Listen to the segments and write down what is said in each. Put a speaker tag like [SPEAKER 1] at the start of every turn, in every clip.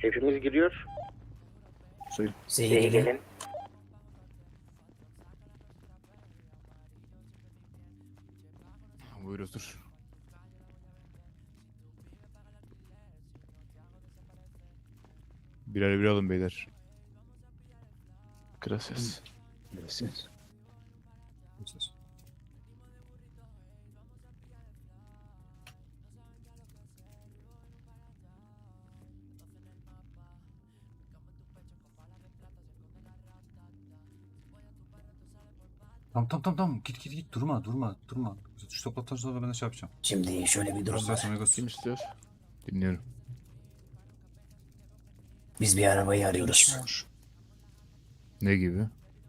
[SPEAKER 1] Hepimiz giriyor.
[SPEAKER 2] Z'ye gelin.
[SPEAKER 3] Buyur otur. Birer bir alın beyler.
[SPEAKER 4] Gracias.
[SPEAKER 2] Gracias.
[SPEAKER 5] Tamam. Git. Durma. Şu toplattan sonra ben de şey yapacağım.
[SPEAKER 2] Şimdi şöyle bir durum
[SPEAKER 5] Gracias
[SPEAKER 2] var.
[SPEAKER 5] amigos.
[SPEAKER 4] Kim istiyor?
[SPEAKER 3] Dinliyorum.
[SPEAKER 2] Biz bir arabayı arıyoruz.
[SPEAKER 3] Ne gibi?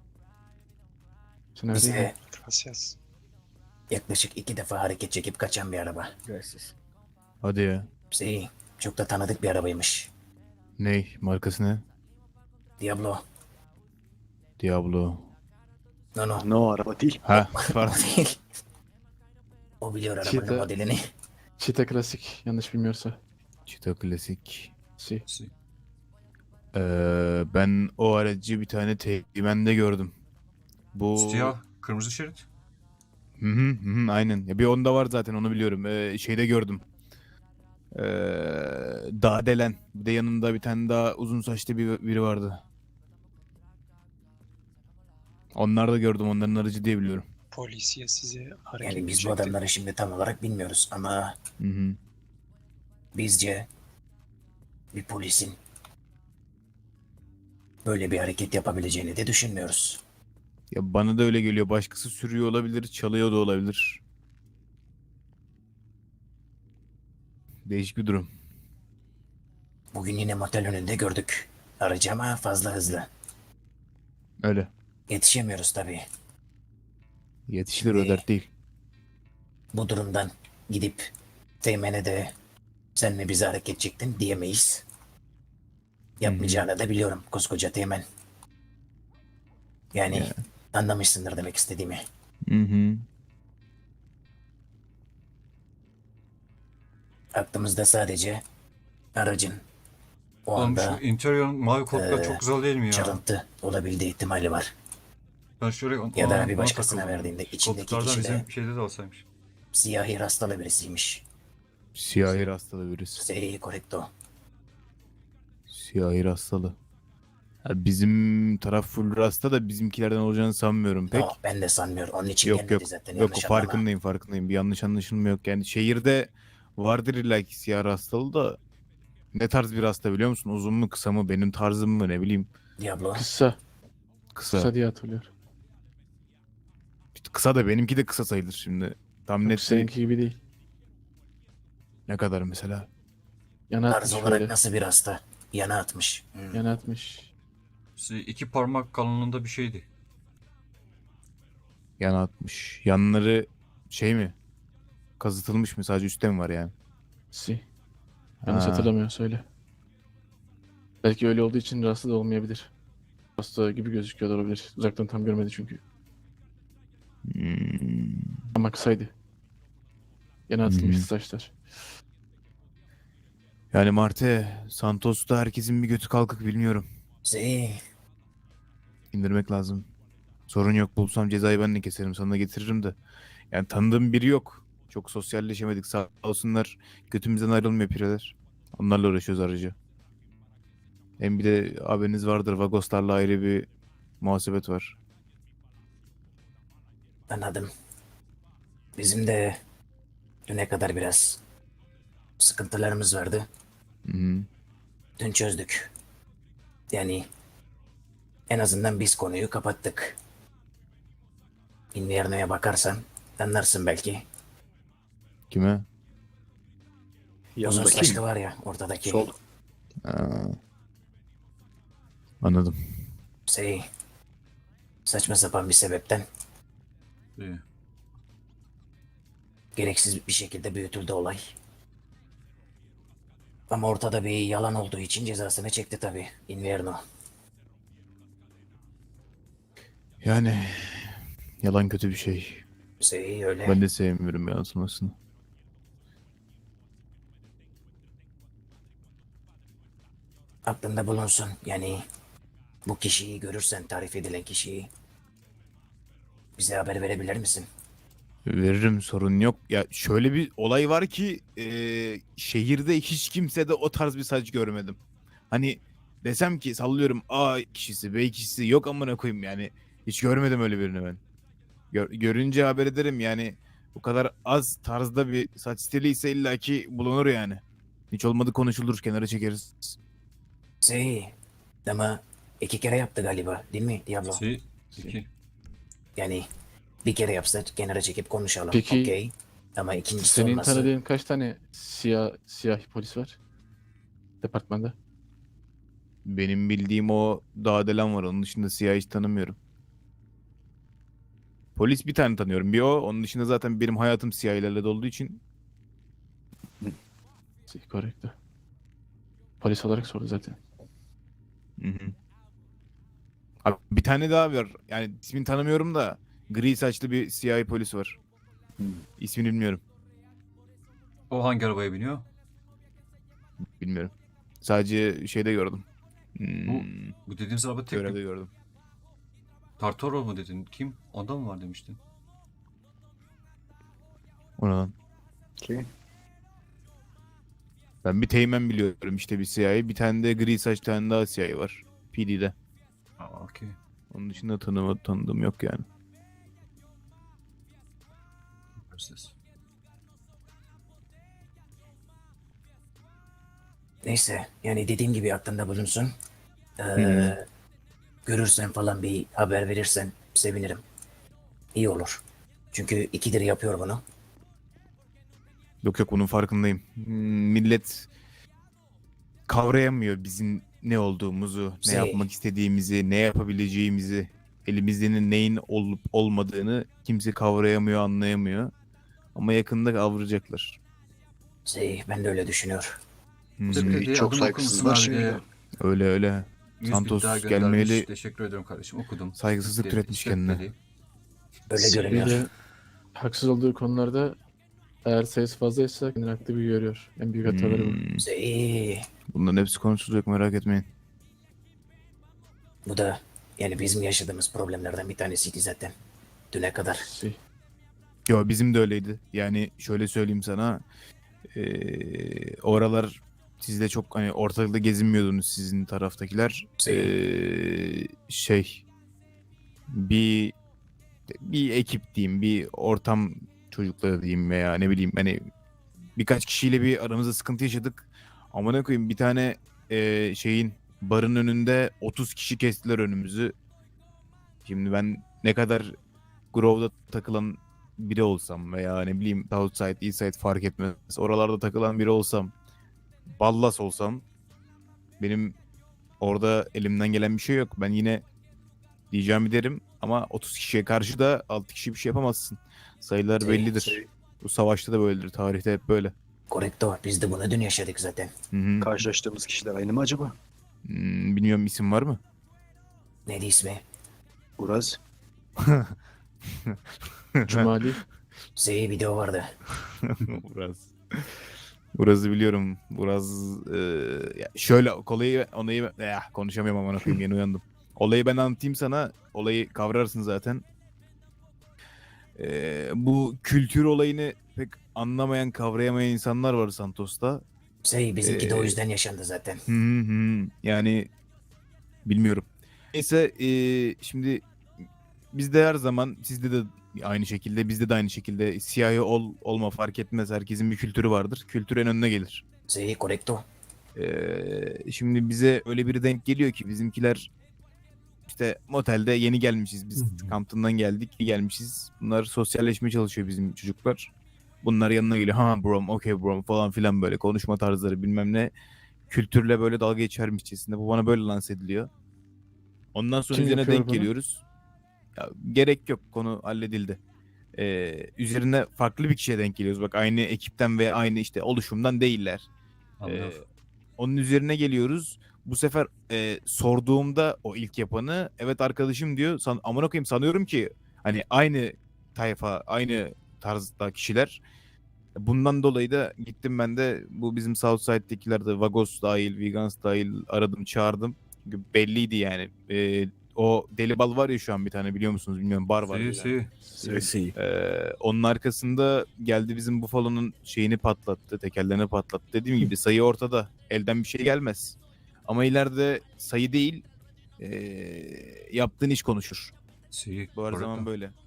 [SPEAKER 4] Sen öyle değil mi?
[SPEAKER 2] Bize
[SPEAKER 6] Gracias.
[SPEAKER 2] yaklaşık 2 defa hareket çekip kaçan bir araba.
[SPEAKER 3] Hadi ya.
[SPEAKER 2] Şey, çok da tanıdık bir arabaymış.
[SPEAKER 3] Ney? Markası ne?
[SPEAKER 2] Diablo.
[SPEAKER 3] Diablo.
[SPEAKER 2] No.
[SPEAKER 6] No, araba değil.
[SPEAKER 3] Ha,
[SPEAKER 2] O
[SPEAKER 3] pardon.
[SPEAKER 2] değil. O biliyor arabanın
[SPEAKER 4] Cheetah.
[SPEAKER 2] modelini.
[SPEAKER 4] Cheetah klasik. Yanlış bilmiyorsa.
[SPEAKER 3] Cheetah klasik.
[SPEAKER 4] Si.
[SPEAKER 3] Ben o aracı bir tane teğmende gördüm. Bu...
[SPEAKER 5] Siyah, kırmızı şerit.
[SPEAKER 3] Hı, aynen. Ya bir onda var zaten, onu biliyorum. Şeyde gördüm. Dağdelen. Bir de yanında bir tane daha uzun saçlı biri vardı. Onlar da gördüm. Onların aracı diye biliyorum.
[SPEAKER 6] Polisiye size hareket
[SPEAKER 2] Yani biz bu
[SPEAKER 6] edecekti.
[SPEAKER 2] adamları şimdi tam olarak bilmiyoruz ama
[SPEAKER 3] Hı.
[SPEAKER 2] bizce bir polisin böyle bir hareket yapabileceğini de düşünmüyoruz.
[SPEAKER 3] Ya bana da öyle geliyor. Başkası sürüyor olabilir, çalıyor da olabilir. Değişik bir durum.
[SPEAKER 2] Bugün yine motel önünde gördük aracı ama fazla hızlı.
[SPEAKER 3] Öyle.
[SPEAKER 2] Yetişemiyoruz tabii.
[SPEAKER 3] Yetişilir, o dert değil.
[SPEAKER 2] Bu durumdan gidip Teğmen'e de sen mi bize hareket çektin diyemeyiz. Yapmayacağını da biliyorum koskoca Teğmen. Yani
[SPEAKER 3] Ya.
[SPEAKER 2] anlamışsındır demek istediğimi.
[SPEAKER 3] Hı.
[SPEAKER 2] Aklımızda sadece aracın o
[SPEAKER 5] Oğlum şu
[SPEAKER 2] anda
[SPEAKER 5] interior mavi koltuklar çok güzel değil mi ya?
[SPEAKER 2] çalıntı olabildiği ihtimali var.
[SPEAKER 5] Ben şöyle
[SPEAKER 2] Ya da
[SPEAKER 5] ona
[SPEAKER 2] bir başkasına
[SPEAKER 5] takıldım.
[SPEAKER 2] verdiğinde içindeki
[SPEAKER 5] Koltuklardan
[SPEAKER 2] kişi de
[SPEAKER 5] bizim şeyde de olsaymış.
[SPEAKER 2] siyahi rastalı birisiymiş.
[SPEAKER 3] Siyahi rastalı birisi.
[SPEAKER 2] Sei correcto.
[SPEAKER 3] Siyahi rastalı. Ya bizim taraf full rasta da bizimkilerden olacağını sanmıyorum pek.
[SPEAKER 2] No, ben de sanmıyorum. Onun için
[SPEAKER 3] Yok
[SPEAKER 2] gelmedi zaten.
[SPEAKER 3] Yok,
[SPEAKER 2] Yanlış anlama.
[SPEAKER 3] farkındayım. Bir yanlış anlaşılma yok. Yani şehirde vardır illa ki siyah rastalı da ne tarz bir rasta biliyor musun? Uzun mu kısa mı, benim tarzım mı, ne bileyim.
[SPEAKER 2] Diablo.
[SPEAKER 4] Kısa.
[SPEAKER 3] Kısa.
[SPEAKER 4] Kısa diye hatırlıyorum.
[SPEAKER 3] İşte kısa da benimki de kısa sayılır şimdi. Tam
[SPEAKER 4] Yok,
[SPEAKER 3] net
[SPEAKER 4] seninki gibi değil.
[SPEAKER 3] ne kadar mesela?
[SPEAKER 4] Yana
[SPEAKER 2] Tarz
[SPEAKER 4] atmış
[SPEAKER 2] olarak
[SPEAKER 4] böyle.
[SPEAKER 2] nasıl bir hasta? Yana atmış.
[SPEAKER 4] Yana atmış.
[SPEAKER 5] 2 parmak kalınlığında bir şeydi.
[SPEAKER 3] Yana atmış. Yanları şey mi? Kazıtılmış mı? Sadece üstte mi var yani?
[SPEAKER 4] Si. Yanlış
[SPEAKER 3] Ha.
[SPEAKER 4] hatırlamıyor söyle. Belki öyle olduğu için rahatsız da olmayabilir. Hasta gibi gözüküyor da olabilir. Uzaktan tam görmedi çünkü.
[SPEAKER 3] Hmm.
[SPEAKER 4] Ama kısaydı. Yana atılmıştı saçlar.
[SPEAKER 3] Yani Marte, Santos'ta herkesin bir götü kalkık, bilmiyorum.
[SPEAKER 2] Sei.
[SPEAKER 3] İndirmek lazım. Sorun yok, bulsam cezayı ben de keserim, sana da getiririm de. Yani tanıdığım biri yok. Çok sosyalleşemedik, sağ olsunlar. Götümüzden ayrılmıyor pireler. Onlarla uğraşıyoruz aracı. Hem bir de haberiniz vardır, Vagoslarla ayrı bir muhasebet var.
[SPEAKER 2] Anladım. Bizim de düne kadar biraz sıkıntılarımız vardı.
[SPEAKER 3] Hı.
[SPEAKER 2] Dün çözdük. Yani en azından biz konuyu kapattık. Invierno'ya bakarsan anlarsın belki.
[SPEAKER 3] Kime?
[SPEAKER 2] Uzun
[SPEAKER 6] Yanındaki
[SPEAKER 2] saçlı
[SPEAKER 6] mi?
[SPEAKER 2] var ya ortadaki.
[SPEAKER 6] Sol.
[SPEAKER 3] Aa, anladım.
[SPEAKER 2] Şey, saçma sapan bir sebepten
[SPEAKER 5] İyi.
[SPEAKER 2] gereksiz bir şekilde büyütüldü olay. Ama ortada bir yalan olduğu için cezasını çekti tabii Invierno.
[SPEAKER 3] Yani yalan kötü bir şey.
[SPEAKER 2] Şey öyle.
[SPEAKER 3] Ben de sevmiyorum yansımasını.
[SPEAKER 2] aklında bulunsun. Yani bu kişiyi görürsen, tarif edilen kişiyi bize haber verebilir misin?
[SPEAKER 3] Veririm, sorun yok. Ya şöyle bir olay var ki şehirde hiç kimse de o tarz bir saç görmedim. Hani desem ki sallıyorum A kişisi B kişisi yok amına koyayım yani. Hiç görmedim öyle birini ben. Görünce haber ederim yani. Bu kadar az tarzda bir saç stili ise illaki bulunur yani. Hiç olmadı konuşulur, kenara çekeriz.
[SPEAKER 2] Şey, ama 2 kere yaptı galiba değil mi Diablo?
[SPEAKER 5] Si. 2.
[SPEAKER 2] Yani bir kere yapsa kenara çekip konuşalım.
[SPEAKER 4] Peki,
[SPEAKER 2] Okey. Ama ikincisi
[SPEAKER 4] Senin
[SPEAKER 2] olması...
[SPEAKER 4] tanıdığın kaç tane siyah polis var departmanda?
[SPEAKER 3] Benim bildiğim o Dağdelen var. Onun dışında siyah hiç tanımıyorum. Polis bir tane tanıyorum. Bir o. Onun dışında zaten benim hayatım siyahlarla dolduğu için.
[SPEAKER 4] Korrekto. Polis olarak sordu zaten.
[SPEAKER 3] Hı hı. Abi bir tane daha var. Yani ismini tanımıyorum da gri saçlı bir siyahi polis var. İsmini bilmiyorum.
[SPEAKER 5] O hangi arabaya biniyor?
[SPEAKER 3] Bilmiyorum. Sadece şeyde gördüm.
[SPEAKER 5] Bu dediğimiz araba tek
[SPEAKER 3] Görevde
[SPEAKER 5] mi?
[SPEAKER 3] gördüm.
[SPEAKER 5] Tartoro mu dedin? Kim? Onda mı var demiştin?
[SPEAKER 3] O ne lan?
[SPEAKER 1] Ki
[SPEAKER 3] Ben bir teğmen biliyorum işte, bir siyahi. Bir tane de gri saç tane daha siyahi var. PD'de.
[SPEAKER 5] Aa, okey.
[SPEAKER 3] Onun dışında tanıdığım yok yani.
[SPEAKER 5] Göreceğiz.
[SPEAKER 2] Neyse yani dediğim gibi aklında bulunsun.
[SPEAKER 3] hı.
[SPEAKER 2] Görürsen falan bir haber verirsen sevinirim. İyi olur. Çünkü 2'dir yapıyor bunu.
[SPEAKER 3] Yok yok, bunun farkındayım. Millet kavrayamıyor bizim ne olduğumuzu, ne
[SPEAKER 2] Şey-
[SPEAKER 3] yapmak istediğimizi, ne yapabileceğimizi, elimizdenin neyin olup olmadığını kimse kavrayamıyor, anlayamıyor. Ama yakında kavrayacaklar.
[SPEAKER 2] Ben de öyle düşünüyor.
[SPEAKER 3] Hı hı.
[SPEAKER 5] Tepki
[SPEAKER 1] çok
[SPEAKER 5] adım
[SPEAKER 1] saygısızlar
[SPEAKER 5] okur musun abi?
[SPEAKER 1] şimdi.
[SPEAKER 3] Öyle öyle.
[SPEAKER 5] 100
[SPEAKER 3] Santos
[SPEAKER 5] bit daha göndermiş.
[SPEAKER 3] gelmeyeli
[SPEAKER 5] Teşekkür ediyorum kardeşim. Okudum.
[SPEAKER 3] saygısızlık
[SPEAKER 5] İşte-
[SPEAKER 3] türetmiş
[SPEAKER 5] işte
[SPEAKER 3] kendine.
[SPEAKER 5] dedi.
[SPEAKER 2] Öyle
[SPEAKER 6] Şey-
[SPEAKER 2] görünüyor.
[SPEAKER 4] Bir de haksız olduğu konularda eğer sayısı fazlaysa kendini haklı gibi görüyor. En büyük hataları bu.
[SPEAKER 3] Bunların hepsi konuşulacak, merak etmeyin.
[SPEAKER 2] Bu da yani bizim yaşadığımız problemlerden bir tanesiydi zaten. Düne kadar.
[SPEAKER 3] Yo, bizim de öyleydi. Yani şöyle söyleyeyim sana. Oralar sizde çok hani ortalıkta gezinmiyordunuz sizin taraftakiler. Şey bir ekip diyeyim, bir ortam çocukları diyeyim veya ne bileyim hani birkaç kişiyle bir aramızda sıkıntı yaşadık. Amına koyayım, bir tane şeyin barın önünde 30 kişi kestiler önümüzü. Şimdi ben ne kadar Grove'da takılan biri olsam veya ne bileyim Southside, Eastside fark etmez. Oralarda takılan biri olsam, ballas olsam, benim orada elimden gelen bir şey yok. Ben yine diyeceğimi derim ama 30 kişiye karşı da 6 kişi bir şey yapamazsın. Sayılar bellidir. Bu savaşta da böyledir. Tarihte hep böyle.
[SPEAKER 2] Correcto. Biz de bunu dün yaşadık zaten.
[SPEAKER 3] Hı hı.
[SPEAKER 1] Karşılaştığımız kişiler aynı mı acaba?
[SPEAKER 3] Bilmiyorum, isim var mı?
[SPEAKER 2] Neydi ismi?
[SPEAKER 1] Uraz.
[SPEAKER 4] Cumali.
[SPEAKER 2] Video vardı.
[SPEAKER 3] Uraz. Uraz'ı biliyorum. Uraz ya şöyle olayı konuşamıyorum ama koyayım, yeni uyandım. Olayı ben anlatayım sana. Olayı kavrarsın zaten. Bu kültür olayını pek anlamayan, kavrayamayan insanlar var Santos'ta.
[SPEAKER 2] Bizimki de o
[SPEAKER 3] Ee,
[SPEAKER 2] yüzden yaşandı zaten.
[SPEAKER 3] Hı hı hı. Yani bilmiyorum. Neyse şimdi bizde her zaman, sizde de aynı şekilde, bizde de aynı şekilde siyahi olma fark etmez. Herkesin bir kültürü vardır. Kültür en önüne gelir.
[SPEAKER 2] Correcto.
[SPEAKER 3] Şimdi bize öyle biri denk geliyor ki bizimkiler işte motelde yeni gelmişiz. Biz kampından gelmişiz. Bunlar sosyalleşmeye çalışıyor bizim çocuklar. Bunlar yanına geliyor. Ha bro, okay bro falan filan, böyle konuşma tarzları bilmem ne. Kültürle böyle dalga geçermişçesinde. Bu bana böyle lanse ediliyor. Ondan sonra
[SPEAKER 4] Kim
[SPEAKER 3] üzerine
[SPEAKER 4] yapıyor
[SPEAKER 3] denk
[SPEAKER 4] bunu?
[SPEAKER 3] geliyoruz. Ya, gerek yok, konu halledildi. Üzerine farklı bir kişiye denk geliyoruz. Bak, aynı ekipten ve aynı işte oluşumdan değiller.
[SPEAKER 5] Anladım.
[SPEAKER 3] Onun üzerine geliyoruz. Bu sefer sorduğumda o ilk yapanı, evet arkadaşım diyor. Amına koyayım, sanıyorum ki hani aynı tayfa, aynı tarzda kişiler. Bundan dolayı da gittim ben de bu bizim Southside'dekiler de Vagos dahil, Vegans dahil aradım çağırdım. Çünkü belliydi yani. O Deli Bal var ya şu an bir tane biliyor musunuz bilmiyorum bar var.
[SPEAKER 5] Si.
[SPEAKER 3] Onun arkasında geldi bizim Buffalo'nun şeyini patlattı, tekerlerini patlattı. Dediğim gibi sayı ortada. Elden bir şey gelmez. Ama ileride sayı değil yaptığın iş konuşur.
[SPEAKER 5] Si.
[SPEAKER 3] Bu her zaman
[SPEAKER 5] Correcto.
[SPEAKER 3] böyle.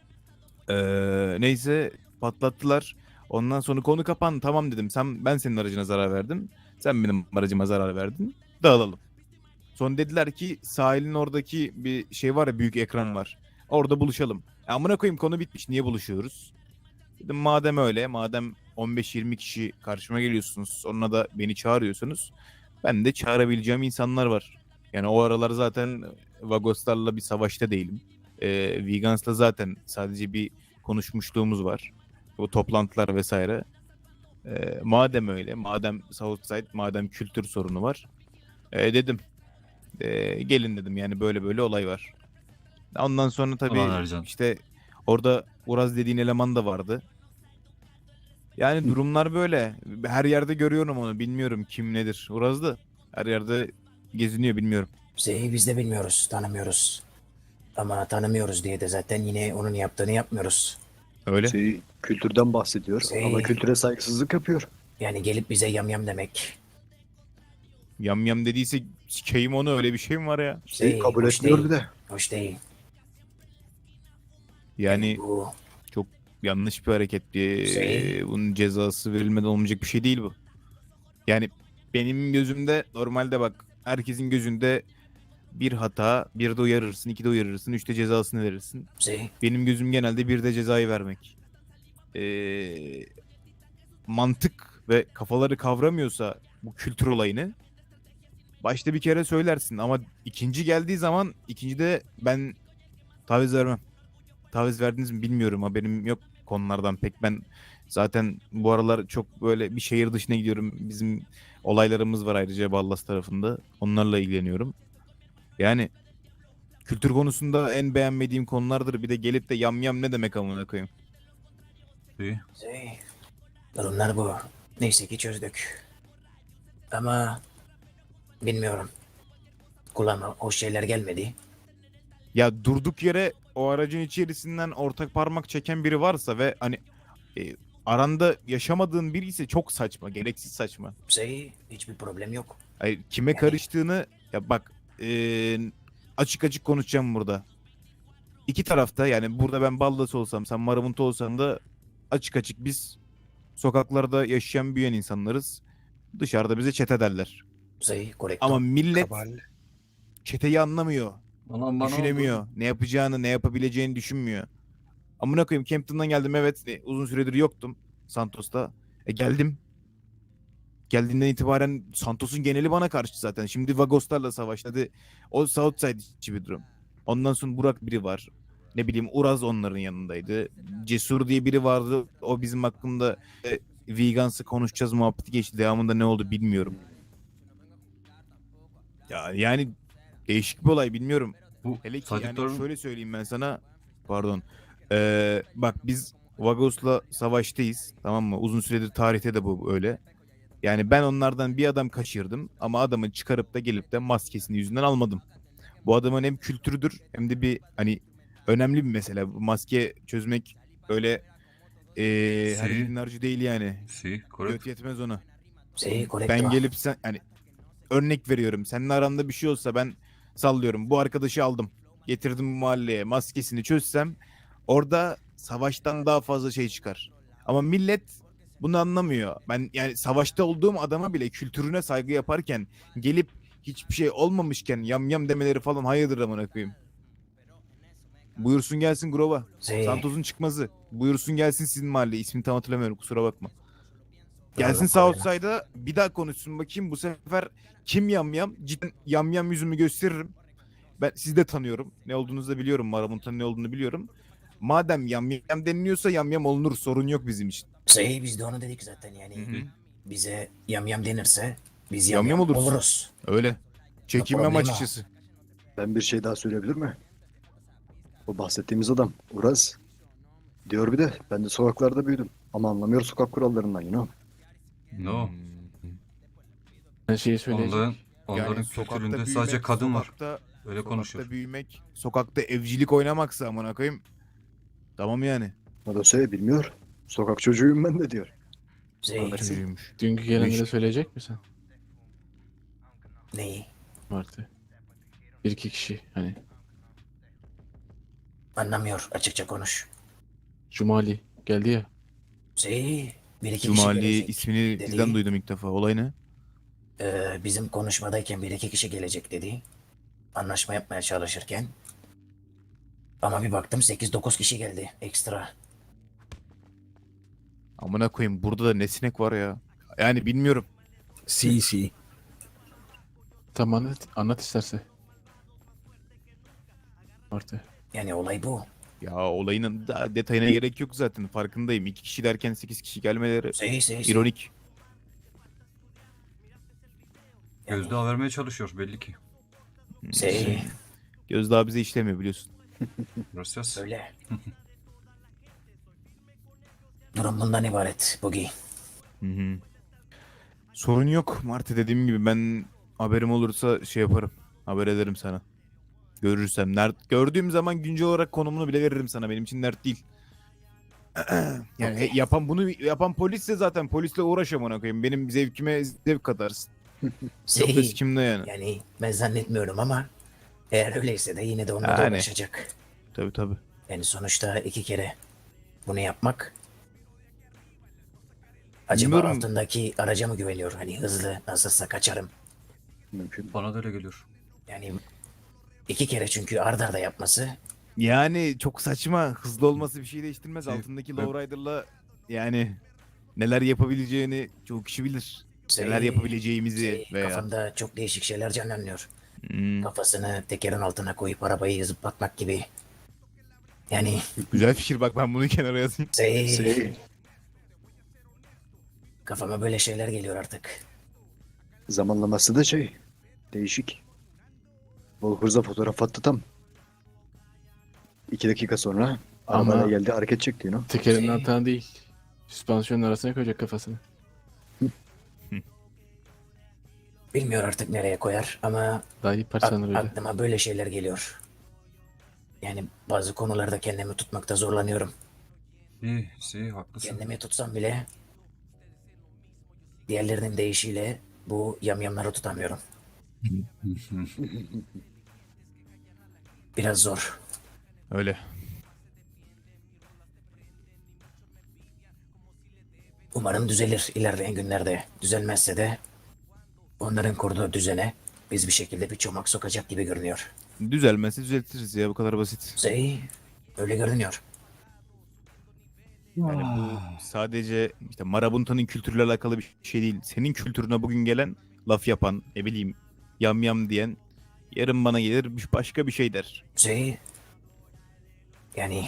[SPEAKER 3] Neyse patlattılar. Ondan sonra konu kapandı. Tamam dedim. Ben senin aracına zarar verdim. Sen benim aracıma zarar verdin. Dağılalım. Sonra dediler ki sahilin oradaki bir şey var ya büyük ekran var. Orada buluşalım. Amına koyayım konu bitmiş. Niye buluşuyoruz? Dedim madem öyle, madem 15-20 kişi karşıma geliyorsunuz, sonra da beni çağırıyorsunuz. Ben de çağırabileceğim insanlar var. Yani o aralar zaten Vagoslarla bir savaşta değilim. Vegans'la zaten sadece bir konuşmuşluğumuz var. O toplantılar vesaire. Madem öyle, madem Southside, madem kültür sorunu var. Dedim. Gelin dedim yani böyle böyle olay var. Ondan sonra tabii
[SPEAKER 5] Ulan Ercan.
[SPEAKER 3] işte orada Uraz dediğin eleman da vardı. Yani durumlar böyle. Her yerde görüyorum onu. Bilmiyorum kim nedir. Uraz da her yerde geziniyor bilmiyorum.
[SPEAKER 2] Biz de bilmiyoruz, tanımıyoruz. Ama tanımıyoruz diye de zaten yine onun yaptığını yapmıyoruz.
[SPEAKER 3] Öyle.
[SPEAKER 1] Kültürden bahsediyor ama kültüre saygısızlık yapıyor.
[SPEAKER 2] Yani gelip bize yamyam demek.
[SPEAKER 3] Yam yam dediyse sikeyim onu öyle bir şey mi var ya?
[SPEAKER 1] Kabul
[SPEAKER 2] hoş
[SPEAKER 1] etmiyor
[SPEAKER 2] değil,
[SPEAKER 1] bir de.
[SPEAKER 2] hoş değil.
[SPEAKER 3] Yani
[SPEAKER 2] Bu
[SPEAKER 3] yanlış bir hareket. Bunun cezası verilmeden olmayacak bir şey değil bu. Yani benim gözümde normalde bak herkesin gözünde bir hata, bir de uyarırsın, iki de uyarırsın, üçte cezasını verirsin. Benim gözüm genelde bir de cezayı vermek. Mantık ve kafaları kavramıyorsa bu kültür olayını başta bir kere söylersin ama ikinci geldiği zaman ikincide ben taviz vermem. Taviz verdiniz mi bilmiyorum, haberim yok konulardan pek. Ben zaten bu aralar çok böyle bir şehir dışına gidiyorum. Bizim olaylarımız var ayrıca Ballas tarafında. Onlarla ilgileniyorum. Yani kültür konusunda en beğenmediğim konulardır. Bir de gelip de yam yam ne demek amına koyayım.
[SPEAKER 5] Si.
[SPEAKER 2] durumlar bu. Neyse ki çözdük. Ama bilmiyorum. Kulağıma o şeyler gelmedi.
[SPEAKER 3] Ya durduk yere o aracın içerisinden ortak parmak çeken biri varsa ve hani aranda yaşamadığın biri ise çok saçma, gereksiz saçma.
[SPEAKER 2] Hiçbir problem yok.
[SPEAKER 3] Hayır, kime
[SPEAKER 2] Yani-
[SPEAKER 3] karıştığını ya bak açık açık konuşacağım burada. İki tarafta yani burada ben Ballas olsam sen Maravut olsan da açık açık biz sokaklarda yaşayan büyüyen insanlarız. Dışarıda bize çete derler.
[SPEAKER 2] Correcto.
[SPEAKER 3] Ama millet
[SPEAKER 6] Kabal.
[SPEAKER 3] çeteyi anlamıyor.
[SPEAKER 5] Aman bana
[SPEAKER 3] Düşünemiyor.
[SPEAKER 5] oldu.
[SPEAKER 3] Ne yapacağını, ne yapabileceğini düşünmüyor. Amına koyayım Campton'dan geldim evet. Uzun süredir yoktum Santos'ta. Geldim. Geldiğinden itibaren Santos'un geneli bana karşı zaten. Şimdi Vagoslarla savaşladı. O Southside içi bir durum. Ondan sonra Burak biri var. Ne bileyim Uraz onların yanındaydı. Cesur diye biri vardı. O bizim hakkında Vegans'ı konuşacağız muhabbeti geçti. Devamında ne oldu bilmiyorum. Ya yani değişik bir olay bilmiyorum.
[SPEAKER 5] Bu
[SPEAKER 3] Hele ki
[SPEAKER 5] Sadık
[SPEAKER 3] yani
[SPEAKER 5] Doğru-
[SPEAKER 3] şöyle söyleyeyim ben sana. Pardon. Bak biz Vagos'la savaştayız. Tamam mı? Uzun süredir tarihte de bu öyle. Yani ben onlardan bir adam kaçırdım. Ama adamı çıkarıp da gelip de maskesini yüzünden almadım. Bu adamın hem kültürüdür hem de bir hani önemli bir mesele. Bu maske çözmek öyle her
[SPEAKER 5] Si.
[SPEAKER 3] yiğidin harcı değil yani.
[SPEAKER 5] Si.
[SPEAKER 3] Göt
[SPEAKER 5] Correcto.
[SPEAKER 3] yetmez ona.
[SPEAKER 2] Correcto.
[SPEAKER 3] Ben gelip sen hani örnek veriyorum. Seninle aranda bir şey olsa ben sallıyorum. Bu arkadaşı aldım. Getirdim bu mahalleye. Maskesini çözsem orada savaştan daha fazla şey çıkar. Ama millet bunu anlamıyor. Ben yani savaşta olduğum adama bile kültürüne saygı yaparken gelip hiçbir şey olmamışken yam yam demeleri falan hayırdır amına koyayım. Buyursun gelsin Grova. Santos'un çıkmazı. Buyursun gelsin sizin mahalle. İsmini tam hatırlamıyorum kusura bakma. Gelsin Southside'a bir daha konuşsun bakayım bu sefer kim yamyam? Cidden yamyam yüzümü gösteririm. Ben sizi de tanıyorum. Ne olduğunuzu da biliyorum. Maravut'un ne olduğunu biliyorum. Madem yamyam deniliyorsa yamyam olunur. Sorun yok bizim için.
[SPEAKER 2] Biz de onu dedik zaten yani.
[SPEAKER 3] Hı hı.
[SPEAKER 2] Bize yamyam denirse biz
[SPEAKER 3] Yamyam
[SPEAKER 2] yamyam
[SPEAKER 3] oluruz.
[SPEAKER 2] oluruz.
[SPEAKER 3] Öyle. Çekinmem
[SPEAKER 2] Problema.
[SPEAKER 3] açıkçası.
[SPEAKER 1] Ben bir şey daha söyleyebilir mi? O bahsettiğimiz adam Uraz diyor bir de ben de sokaklarda büyüdüm. Ama anlamıyor sokak kurallarından yine.
[SPEAKER 5] No.
[SPEAKER 4] Ben şeyi söyleyecek.
[SPEAKER 5] Onların kültüründe sadece kadın var. Öyle konuşuyor.
[SPEAKER 3] Sokakta büyümek, sokakta evcilik oynamaksa amına koyayım. Tamam yani.
[SPEAKER 1] O da söyle bilmiyor. Sokak çocuğuyum ben de diyor.
[SPEAKER 2] Şey,
[SPEAKER 1] Anlarsın.
[SPEAKER 3] Çocuğuymuş.
[SPEAKER 4] Dünkü gelenlere söyleyecek misin?
[SPEAKER 2] neyi?
[SPEAKER 4] Martı. Bir iki kişi hani.
[SPEAKER 2] Anlamıyor. Açıkça konuş.
[SPEAKER 4] Cumali geldi ya.
[SPEAKER 2] Şey, bir iki kişi
[SPEAKER 3] Cumali
[SPEAKER 2] gelecek
[SPEAKER 3] ismini
[SPEAKER 2] dedi.
[SPEAKER 3] sizden duydum ilk defa. Olay ne?
[SPEAKER 2] Bizim konuşmadayken bir iki kişi gelecek dedi. Anlaşma yapmaya çalışırken. Ama bir baktım 8-9 kişi geldi ekstra.
[SPEAKER 3] Amına koyayım burada da ne sinek var ya. Yani bilmiyorum.
[SPEAKER 1] Si.
[SPEAKER 4] Tamam anlat isterse. Martı.
[SPEAKER 2] Yani olay bu.
[SPEAKER 3] Ya olayın da detayına gerek yok zaten. Farkındayım. 2 kişi derken 8 kişi gelmeleri
[SPEAKER 2] Şey.
[SPEAKER 3] ironik.
[SPEAKER 2] Yani,
[SPEAKER 5] Gözdağı vermeye çalışıyor belli ki.
[SPEAKER 2] şey,
[SPEAKER 3] Gözdağı bize işlemiyor biliyorsun.
[SPEAKER 5] Gracias.
[SPEAKER 2] öyle. Durum bundan ibaret Bugi.
[SPEAKER 3] Hı hı. Sorun yok Martı, dediğim gibi ben haberim olursa şey yaparım. Haber ederim sana. Görürsem. Gördüğüm zaman güncel olarak konumunu bile veririm sana. Benim için dert değil. Yani
[SPEAKER 2] Okey.
[SPEAKER 3] bunu yapan polisse zaten polisle uğraşamam ona koyayım. Benim zevkime zevk katarsın. Çok da
[SPEAKER 2] Şey,
[SPEAKER 3] sikimde yani.
[SPEAKER 2] yani ben zannetmiyorum ama eğer öyleyse de yine de onunla da
[SPEAKER 3] Yani.
[SPEAKER 2] uğraşacak.
[SPEAKER 3] Tabii.
[SPEAKER 2] Yani sonuçta 2 kere bunu yapmak. Acaba
[SPEAKER 3] Bilmiyorum.
[SPEAKER 2] altındaki araca mı güveniyor? Hani hızlı nasılsa kaçarım.
[SPEAKER 1] Mümkün.
[SPEAKER 5] Bana da öyle geliyor.
[SPEAKER 2] Yani 2 kere çünkü ard arda yapması.
[SPEAKER 3] Yani çok saçma. Hızlı olması bir şey değiştirmez.
[SPEAKER 5] Şey,
[SPEAKER 3] Altındaki
[SPEAKER 5] ben-
[SPEAKER 3] lowrider'la yani neler yapabileceğini çok kişi bilir. Neler
[SPEAKER 2] Şey,
[SPEAKER 3] yapabileceğimizi veya.
[SPEAKER 2] Kafamda çok değişik şeyler canlanıyor.
[SPEAKER 3] Hmm,
[SPEAKER 2] Kafasını tekerin altına koyup arabayı zıplatmak gibi. Yani
[SPEAKER 3] güzel fikir, bak ben bunu kenara yazayım.
[SPEAKER 1] Si.
[SPEAKER 2] kafama böyle şeyler geliyor artık.
[SPEAKER 1] Zamanlaması da değişik. Volhurza fotoğraf attı tam. 2 dakika sonra
[SPEAKER 4] Ama-
[SPEAKER 1] arabayla geldi hareket çekti yine.
[SPEAKER 4] Tekerin
[SPEAKER 2] Şey-
[SPEAKER 4] altına değil. Süspansiyonun arasına koyacak kafasını.
[SPEAKER 2] Bilmiyor artık nereye koyar ama
[SPEAKER 4] Daha iyi parçalanır öyle.
[SPEAKER 2] aklıma böyle şeyler geliyor. Yani bazı konularda kendimi tutmakta zorlanıyorum.
[SPEAKER 5] İyi, haklısın.
[SPEAKER 2] Kendimi tutsam bile diğerlerinin deyişiyle bu yamyamları tutamıyorum. Biraz zor.
[SPEAKER 3] Öyle.
[SPEAKER 2] Umarım düzelir ilerleyen günlerde. Düzelmezse de onların kurduğu düzene biz bir şekilde bir çomak sokacak gibi görünüyor.
[SPEAKER 3] Düzelmezse düzeltiriz ya, bu kadar basit.
[SPEAKER 2] Öyle görünüyor.
[SPEAKER 3] Yani bu sadece işte Marabuntanın kültürüyle alakalı bir şey değil. Senin kültürüne bugün gelen laf yapan, ne bileyim, yam yam diyen yarın bana gelir başka bir şey der.
[SPEAKER 2] Yani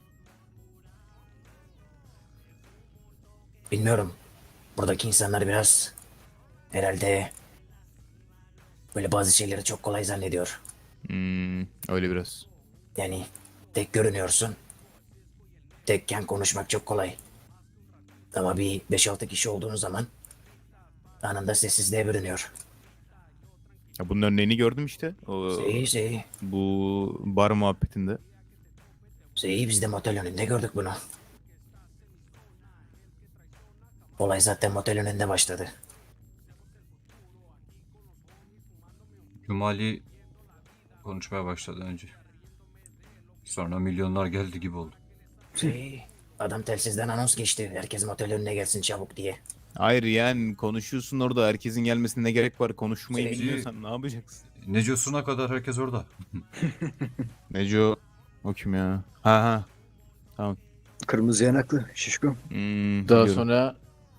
[SPEAKER 2] bilmiyorum. Buradaki insanlar biraz herhalde böyle bazı şeyleri çok kolay zannediyor.
[SPEAKER 3] Öyle biraz.
[SPEAKER 2] Yani tek görünüyorsun. Tekken konuşmak çok kolay. Ama bir 5-6 kişi olduğun zaman anında sessizliğe bürünüyor.
[SPEAKER 3] Ya bunun örneğini gördüm işte. Bu bar muhabbetinde.
[SPEAKER 2] Biz de motel önünde gördük bunu. Olay zaten motel önünde başladı.
[SPEAKER 5] Cumali konuşmaya başladı önce. Sonra milyonlar geldi gibi oldu.
[SPEAKER 2] Adam telsizden anons geçti. Herkes motel önüne gelsin çabuk diye.
[SPEAKER 3] Hayır yani konuşuyorsun orada, herkesin gelmesine ne gerek var? Konuşmayı
[SPEAKER 2] Şey-
[SPEAKER 3] bilmiyorsan ne yapacaksın?
[SPEAKER 5] Necosuna kadar herkes orada.
[SPEAKER 3] Neco o kim ya? Ha.
[SPEAKER 1] Kırmızı yanaklı şişko.
[SPEAKER 4] Daha
[SPEAKER 3] Biliyorum.
[SPEAKER 4] sonra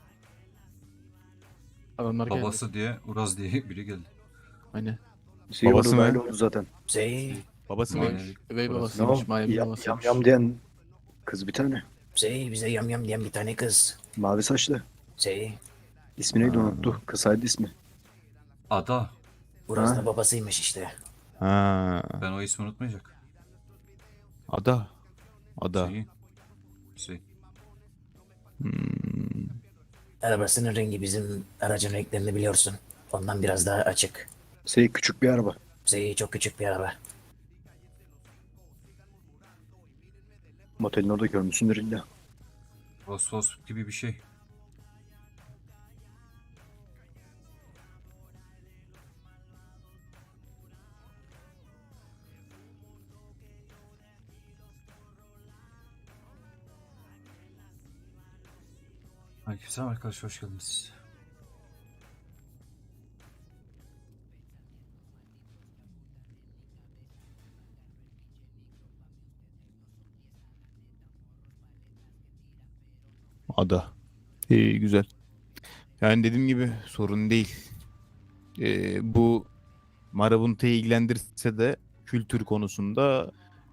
[SPEAKER 4] adamlar geldi.
[SPEAKER 5] Babası diye, Uraz diye biri geldi.
[SPEAKER 4] Aynen.
[SPEAKER 3] Babası mı?
[SPEAKER 1] Öyle oldu zaten.
[SPEAKER 3] Babası
[SPEAKER 5] Aynen.
[SPEAKER 3] mıymış?
[SPEAKER 4] Üvey
[SPEAKER 1] Ne
[SPEAKER 4] babasıymış.
[SPEAKER 1] o?
[SPEAKER 4] Mayem
[SPEAKER 1] Yam
[SPEAKER 4] babasıymış.
[SPEAKER 1] yam diyen kız bir tane.
[SPEAKER 2] Bize yam yam diyen bir tane kız.
[SPEAKER 1] Mavi saçlı. İsmi neydi
[SPEAKER 3] Ha.
[SPEAKER 1] unuttu. Kısaydı ismi.
[SPEAKER 5] Ada.
[SPEAKER 2] Uraz
[SPEAKER 1] Ha.
[SPEAKER 2] da babasıymış işte.
[SPEAKER 3] Ha.
[SPEAKER 5] Ben o ismi unutmayacak.
[SPEAKER 3] Ada.
[SPEAKER 5] Şey.
[SPEAKER 3] Hmm,
[SPEAKER 2] Arabasının rengi bizim aracın renklerini biliyorsun. Ondan biraz daha açık.
[SPEAKER 1] Şey küçük bir araba.
[SPEAKER 2] Çok küçük bir araba.
[SPEAKER 1] Motelin orada görmüşsündür illa.
[SPEAKER 5] Vosvos gibi bir şey. Aleykümselam arkadaşlar, hoş geldiniz.
[SPEAKER 3] ada. İyi, güzel. Yani dediğim gibi sorun değil. Bu Marabunta'yı ilgilendirse de kültür konusunda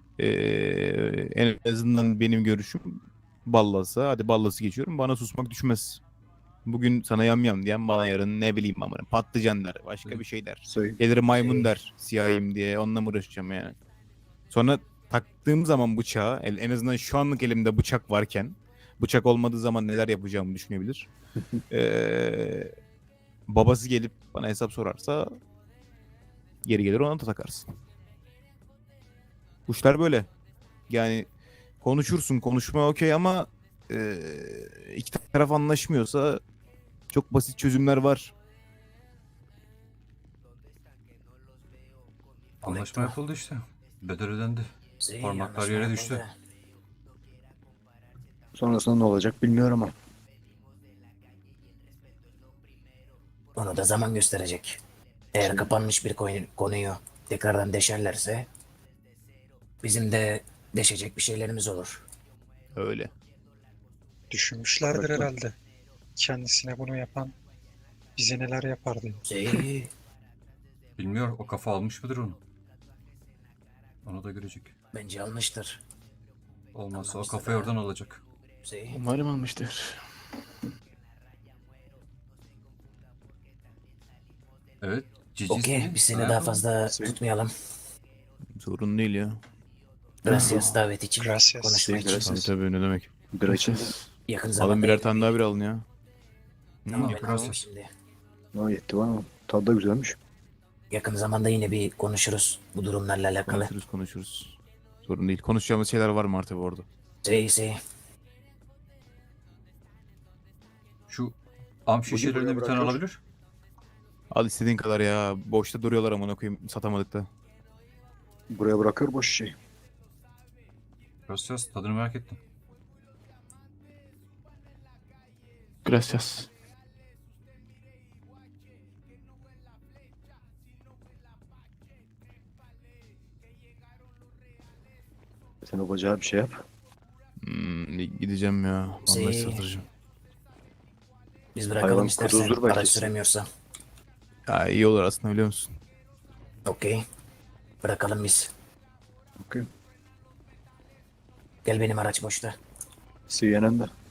[SPEAKER 3] en azından benim görüşüm Ballas'a. Hadi Ballas'ı geçiyorum. Bana susmak düşmez. Bugün sana yam diyen bana yarın ne bileyim amına patlıcan der. Başka bir şey der.
[SPEAKER 1] Söyle.
[SPEAKER 3] Gelir maymun der. Siyahim diye. Onunla mı uğraşacağım yani? Sonra taktığım zaman bıçağı en azından şu anlık elimde bıçak varken bıçak olmadığı zaman neler yapacağımı düşünebilir. Babası gelip bana hesap sorarsa geri gelir ona da takarsın. Kuşlar böyle. Yani konuşursun konuşma okey ama iki taraf anlaşmıyorsa çok basit çözümler var.
[SPEAKER 5] Anlaşma yapıldı işte. Bedel ödendi. Parmaklar
[SPEAKER 2] Anlaşma
[SPEAKER 5] yere düştü.
[SPEAKER 2] yapıldı.
[SPEAKER 1] Sonrasında ne olacak bilmiyorum ama.
[SPEAKER 2] Onu da zaman gösterecek. Eğer kapanmış bir konuyu tekrardan deşerlerse bizim de deşecek bir şeylerimiz olur.
[SPEAKER 3] Öyle.
[SPEAKER 6] Düşünmüşlerdir
[SPEAKER 1] Bıraktım.
[SPEAKER 6] herhalde. Kendisine bunu yapan bize neler yapar diye.
[SPEAKER 5] Bilmiyor, o kafa almış mıdır onu? Onu da görecek.
[SPEAKER 2] Bence almıştır.
[SPEAKER 5] Olmazsa o
[SPEAKER 2] Anlamıştır
[SPEAKER 5] kafayı
[SPEAKER 2] ha.
[SPEAKER 5] oradan alacak.
[SPEAKER 4] Umarım almıştır.
[SPEAKER 5] Evet. Cici
[SPEAKER 2] Okey,
[SPEAKER 5] ismi.
[SPEAKER 2] biz seni
[SPEAKER 5] Ha,
[SPEAKER 2] daha fazla
[SPEAKER 1] Şey-
[SPEAKER 2] tutmayalım.
[SPEAKER 3] Sorun değil ya.
[SPEAKER 2] Gracias davet için,
[SPEAKER 6] Gracias.
[SPEAKER 2] konuşma için.
[SPEAKER 3] Tabii tabii ne demek.
[SPEAKER 1] Bir için de.
[SPEAKER 2] Yakın
[SPEAKER 3] Alın
[SPEAKER 2] zamanda
[SPEAKER 3] birer tane daha bir alın ya.
[SPEAKER 2] Tamam, ben
[SPEAKER 5] Gracias.
[SPEAKER 2] alayım şimdi.
[SPEAKER 1] O yetti bana. Tadı da güzelmiş.
[SPEAKER 2] Yakın zamanda yine bir konuşuruz bu durumlarla alakalı.
[SPEAKER 3] Konuşuruz. Sorun değil. Konuşacağımız şeyler var mı artık orada?
[SPEAKER 2] Şey.
[SPEAKER 5] Şu am
[SPEAKER 1] buraya
[SPEAKER 5] şişelerinden bir tane
[SPEAKER 1] bırakıyor.
[SPEAKER 5] alabilir.
[SPEAKER 3] Al istediğin kadar ya. Boşta duruyorlar amına koyayım satamadık da.
[SPEAKER 1] Buraya bırakıyor boş şey.
[SPEAKER 5] Gracias, tadını merak ettim.
[SPEAKER 4] Gracias.
[SPEAKER 1] Sen o bacağı bir şey yap.
[SPEAKER 3] Gideceğim ya. Vallahi
[SPEAKER 2] Şey-
[SPEAKER 3] satıracağım.
[SPEAKER 2] Biz bırakalım
[SPEAKER 1] Hayvan
[SPEAKER 2] istersen.
[SPEAKER 1] kuduzdur belki.
[SPEAKER 2] Araç süremiyorsa.
[SPEAKER 3] Ya iyi olur aslında biliyor musun?
[SPEAKER 2] Okey. Bırakalım biz.
[SPEAKER 1] Okey.
[SPEAKER 2] Gel benim araç boşta.
[SPEAKER 1] CNN'de.